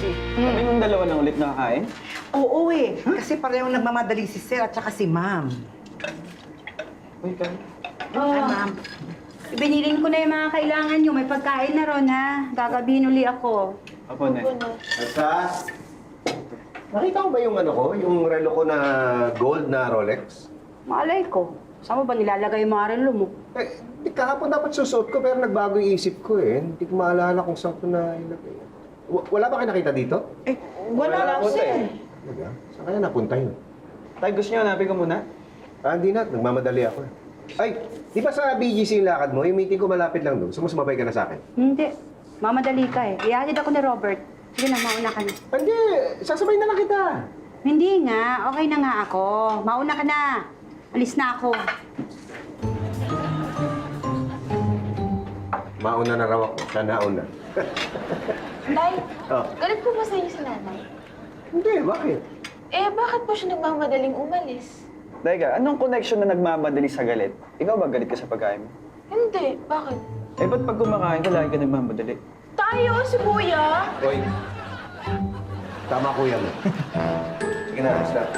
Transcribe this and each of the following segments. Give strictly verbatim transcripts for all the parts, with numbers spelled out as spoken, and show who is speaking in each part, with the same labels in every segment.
Speaker 1: Janice, kami nung dalawa lang ulit nakakain.
Speaker 2: Oo eh, kasi parehong nagmamadali si Sir at saka si Ma'am.
Speaker 1: Uy, kami.
Speaker 2: Ay, Ma'am.
Speaker 3: Binilin ko na yung mga kailangan nyo. May pagkain na ron, ha? Gagabihin uli ako.
Speaker 1: Apo, ne.
Speaker 4: Alsa, nakita mo ba yung ano ko? Yung relo ko na gold na Rolex?
Speaker 3: Malay ko. Saan mo ba nilalagay yung mga relo mo?
Speaker 4: Eh, di kahapon dapat susuot ko pero nagbago yung isip ko eh. Hindi ko maalala kung saan ko na ilagay. W- wala ba kayo nakita dito?
Speaker 2: Eh, wala
Speaker 1: Wala
Speaker 2: lang,
Speaker 1: po,
Speaker 2: Sir.
Speaker 4: Talaga? Saan kaya napunta yun?
Speaker 1: Tay, gusto niyo hanapin ko muna?
Speaker 4: Ah, hindi na. Nagmamadali ako eh. Ay, di ba sa B G C yung lakad mo? Yung meeting ko malapit lang doon. Sumusumabay ka na sa akin.
Speaker 3: Hindi. Mamadali ka eh. Ihatid ako ni Robert. Sige na, mauna ka na.
Speaker 4: Hindi, sasabay na lang kita.
Speaker 3: Hindi nga. Okay na nga ako. Mauna ka na. Alis na ako.
Speaker 4: Mauna na raw ako. Siya nauna.
Speaker 5: Nay,
Speaker 4: Oh.
Speaker 5: galit po ba sa inyo si nanay?
Speaker 4: Hindi, bakit?
Speaker 5: Eh, bakit po siya nagmamadaling umalis?
Speaker 1: Teka, anong connection na nagmamadali sa galit? Ikaw ba galit ka sa pagkain mo?
Speaker 5: Hindi, bakit?
Speaker 1: Eh, ba't pag kumakain ka, lagi ka nagmamadali?
Speaker 5: Tayo, si Kuya!
Speaker 4: Hoy. Tama kuya mo. Sige na, alis na.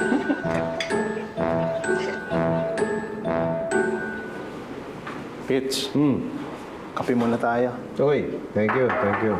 Speaker 6: Fitz,
Speaker 4: Hmm.
Speaker 6: kape muna tayo.
Speaker 4: Hoy, thank you, thank you.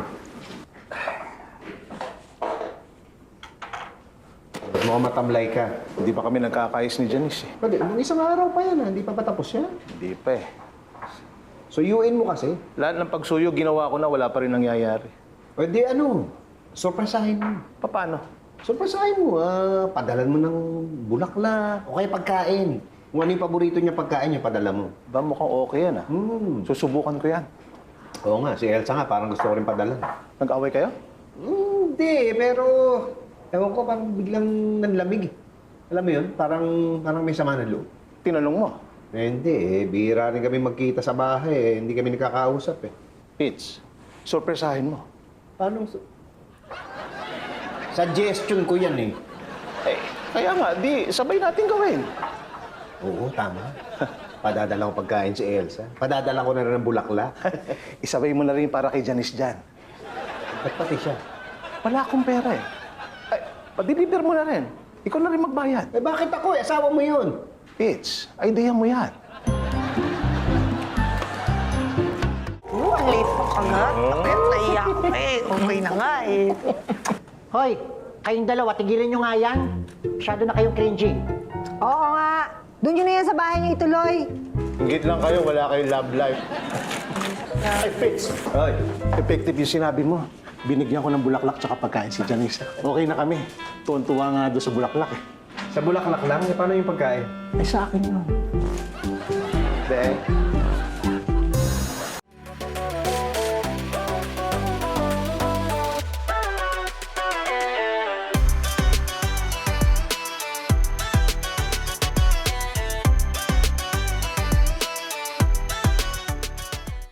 Speaker 4: Mukhang matamlay ka.
Speaker 6: Hindi pa kami nagkakayos ni Janice eh.
Speaker 4: Pwede, nung isang araw pa yan, ha? Hindi pa patapos yan.
Speaker 6: Hindi pa eh.
Speaker 4: So, U N mo kasi.
Speaker 6: Lahat ng pagsuyo ginawa ko na wala pa rin nangyayari.
Speaker 4: Pwede ano, surpresahin mo.
Speaker 6: Paano?
Speaker 4: Surpresahin mo, ah, padalan mo ng bulaklak o kaya pagkain. Kung ano yung paborito niya pagkain niya, padala mo.
Speaker 6: Ba mukhang okay yan ah.
Speaker 4: Hmm.
Speaker 6: Susubukan ko yan.
Speaker 4: Oo nga, si Elsa nga, parang gusto ko rin padalan.
Speaker 6: Nag-away kayo?
Speaker 4: Hmm, Hindi, pero ewan ko, parang biglang nanlamig. Alam mo yun, parang, parang may sama ng loob.
Speaker 6: Tinanong mo.
Speaker 4: Eh, hindi eh, bihira rin kami magkita sa bahay eh. Hindi kami nakakausap eh.
Speaker 6: Fitz, surpresahin mo.
Speaker 4: Paano? su- Suggestion ko yan eh.
Speaker 6: Eh, kaya nga, di, sabay natin gawin.
Speaker 4: Oo, tama. Padadala ko pagkain si Elsa. Padadala ko na rin ng bulaklak.
Speaker 6: Isabay mo na rin para kay Janice dyan.
Speaker 4: Ba't pati siya?
Speaker 6: Wala akong pera eh. Ay, pa-deliver mo na rin. Ikaw na rin magbayad.
Speaker 4: Eh bakit ako eh? Asawa mo yun.
Speaker 6: Fitz, idea mo yan.
Speaker 2: Oo, ang late pa ka nga. Tapos naiyak ko eh. Okay na nga eh.
Speaker 7: Hoy, kayong dalawa, tigilan nyo nga yan. Masyado na kayong cringy.
Speaker 8: Oo nga. Doon nyo na yan sa bahay niyo ituloy.
Speaker 6: Ingit lang kayo, wala kayong love life. Ay, Fitz.
Speaker 4: Hoy,
Speaker 6: Effective yung sinabi mo. Binigyan ko ng bulaklak tsaka pagkain si Janice. Okay na kami. Tuwan-tuwa nga doon sa bulaklak eh.
Speaker 4: sa bulaklak lang, eh, paano yung pagkain?
Speaker 6: Ay, sa akin yun.
Speaker 4: Be,